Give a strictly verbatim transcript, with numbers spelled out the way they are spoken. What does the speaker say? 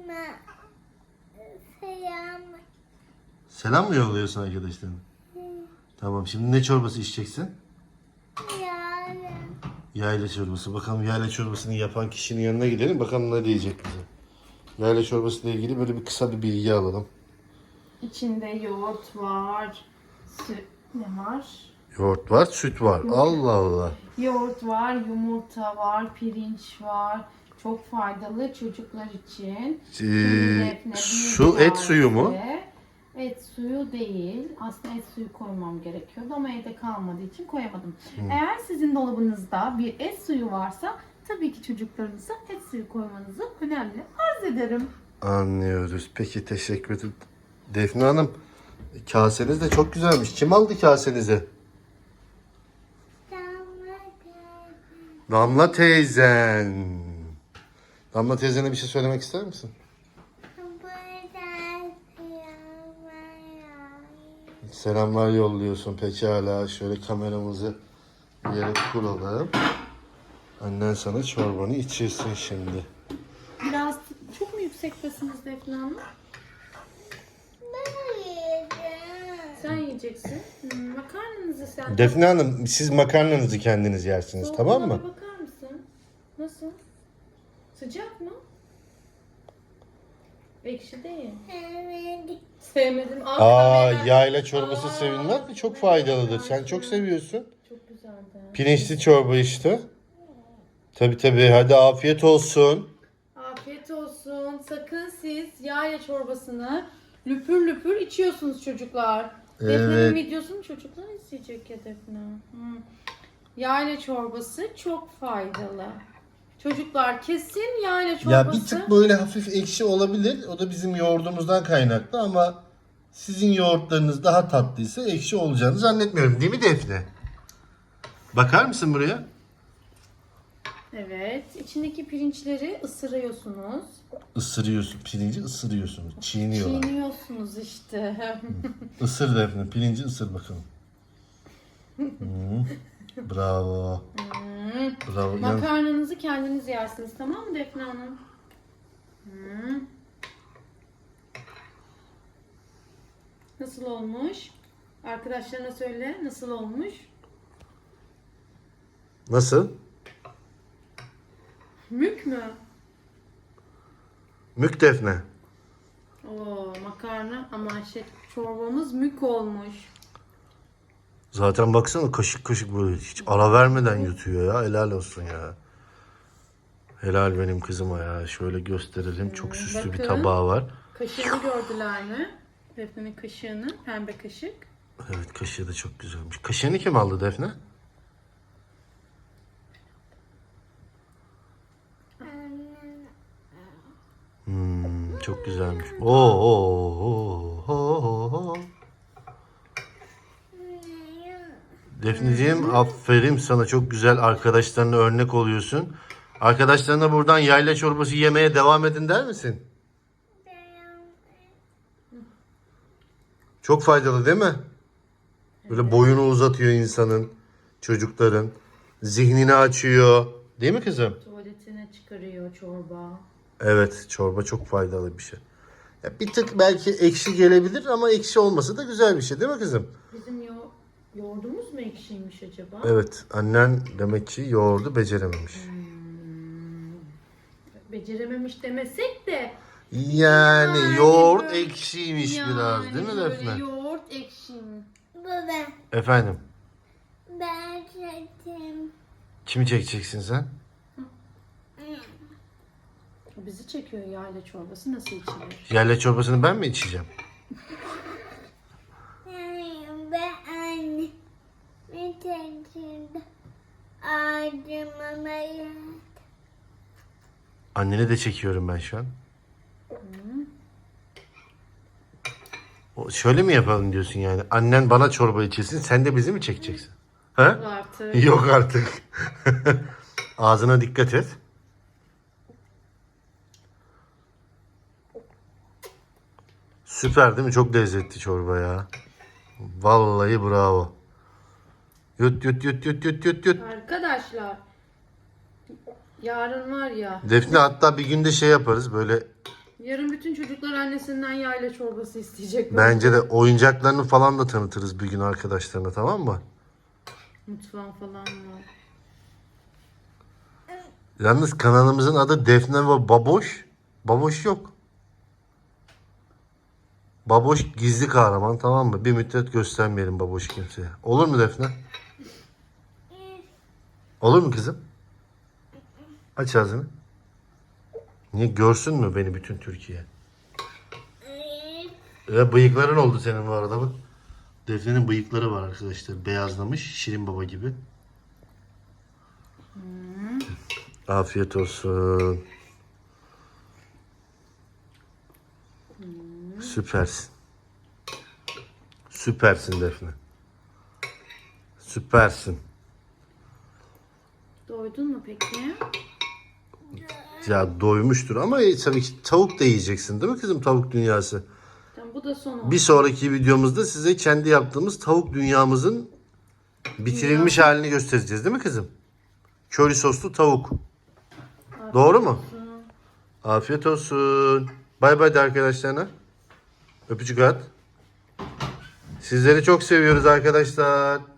Selam. Selam mı yolluyorsun arkadaşlarına? Tamam, şimdi ne çorbası içeceksin? Yarın. Yayla çorbası. Bakalım yayla çorbasını yapan kişinin yanına gidelim. Bakalım ne diyecek bize. Yayla çorbası ile ilgili böyle bir kısa bir bilgi alalım. İçinde yoğurt var. Süt ne var? Yoğurt var, süt var. Allah Allah. Yoğurt var, yumurta var, pirinç var. Çok faydalı çocuklar için. Ee, su, et suyu mu? Et suyu değil. Aslında et suyu koymam gerekiyordu ama evde kalmadığı için koyamadım. Hmm. Eğer sizin dolabınızda bir et suyu varsa tabii ki çocuklarınıza et suyu koymanızı önemli arz ederim. Anlıyoruz. Peki, teşekkür ederim. Defne Hanım, kaseniz de çok güzelmiş. Kim aldı kasenizi? Damla teyzen. Damla teyzene bir şey söylemek ister misin? Selamlar yolluyorsun. Pekala. Şöyle kameramızı bir yere kuralım. Annen sana çorbanı içirsin şimdi. Biraz çok mu yüksektesiniz Defne Hanım? Ben yiyeceğim. Sen yiyeceksin. Hmm, makarnanızı sen... Defne Hanım, siz makarnanızı kendiniz yersiniz, Soğuk tamam olana mı? bakar mısın? Nasıl? Sıcak mı? Ekşi değil. Evet. Sevmedim. Aa, yayla çorbası sevilmez mi? Çok faydalıdır. Sen çok seviyorsun. Çok güzeldi. Pirinçli çorba işte. Tabii tabii. Hadi afiyet olsun. Afiyet olsun. Sakın siz yayla çorbasını lüpür lüpür içiyorsunuz çocuklar. Evet. Defne'nin videosunu çocuklar izleyecek ya Defne. Hmm. Yayla çorbası çok faydalı. Çocuklar kesin yayla çorbası. Ya bir tık böyle hafif ekşi olabilir. O da bizim yoğurdumuzdan kaynaklı ama sizin yoğurtlarınız daha tatlıysa ekşi olacağını zannetmiyorum. Değil mi Defne? Bakar mısın buraya? Evet. İçindeki pirinçleri ısırıyorsunuz. Isırıyorsun. Pirinci ısırıyorsunuz. Çiğniyorlar. Çiğniyorsunuz işte. Isır Defne. Pirinci ısır bakalım. Hmm. Bravo. Hmm. Bravo. Yani Makarnanızı kendiniz yersiniz, tamam mı Defne Hanım? Hmm. Nasıl olmuş? Arkadaşlarına söyle, nasıl olmuş? nasıl? Mük mü? Mük Defne. Oo, makarna ama şey, çorbamız mük olmuş. Zaten baksana kaşık kaşık böyle hiç ara vermeden yutuyor ya. Helal olsun ya. Helal benim kızıma ya. Şöyle gösterelim. Çok süslü bir bakın. tabağı var. Kaşığını gördüler mi? Defne'nin kaşığını, pembe kaşık. Evet, kaşığı da çok güzelmiş. Kaşığını kim aldı Defne? Hmm, çok güzelmiş. Oo, oo, oo, oo, oo. Defneciğim, aferin sana, çok güzel arkadaşlarına örnek oluyorsun. Arkadaşlarına buradan yayla çorbası yemeye devam edin der misin? Çok faydalı değil mi? Böyle boyunu uzatıyor insanın, çocukların. Zihnini açıyor. Değil mi kızım? Tuvaletine çıkarıyor çorba. Evet, çorba çok faydalı bir şey. Ya bir tık belki ekşi gelebilir ama ekşi olması da güzel bir şey değil mi kızım? Bizim yo yoğurdumuz mu ekşiymiş acaba? Evet, annen demek ki yoğurdu becerememiş. Becerememiş demesek de Yani, Yani yoğurt böyle- ekşiymiş yani biraz değil mi böyle Defne? yoğurt ekşi mi? Baba, Efendim, ben çektim. kimi çekeceksin sen? O bizi çekiyor, yayla çorbası nasıl içilir? Yayla çorbasını ben mi içeceğim? Ben anne. Ben çektim. Ağzıma bayat. Anneni de çekiyorum ben şu an. O, şöyle mi yapalım diyorsun yani? Annen bana çorba içirsin, sen de bizi mi çekeceksin? Ha? Artık. Yok artık. Ağzına dikkat et. Süper değil mi? Çok lezzetli çorba ya. Vallahi bravo. Yut yut yut yut yut yut yut. Arkadaşlar yarın var ya. Defne, hatta bir günde şey yaparız böyle Yarın bütün çocuklar annesinden yayla çorbası isteyecek. Bence de oyuncaklarını falan da tanıtırız bir gün arkadaşlarına, tamam mı? Mutfağın falan var. Yalnız kanalımızın adı Defne ve Baboş. Baboş yok. Baboş gizli kahraman, tamam mı? Bir müddet göstermeyelim Baboş kimseye. Olur mu Defne? Olur mu kızım? Aç ağzını. Niye, görsün mü beni bütün Türkiye? Ya bıyıkların oldu senin bu arada bak. Defne'nin bıyıkları var arkadaşlar. Beyazlamış. Şirin Baba gibi. Hmm. Afiyet olsun. Hmm. Süpersin. Süpersin Defne. Süpersin. Doydun mu peki? Ya doymuştur ama tabii ki tavuk da yiyeceksin değil mi kızım, tavuk dünyası? Tamam, bu da son oldu. Bir sonraki videomuzda size kendi yaptığımız tavuk dünyamızın bitirilmiş halini göstereceğiz değil mi kızım? Köri soslu tavuk. Afiyet Doğru mu? olsun. Afiyet olsun. Bay bay de arkadaşlarına. Öpücük at. Sizleri çok seviyoruz arkadaşlar.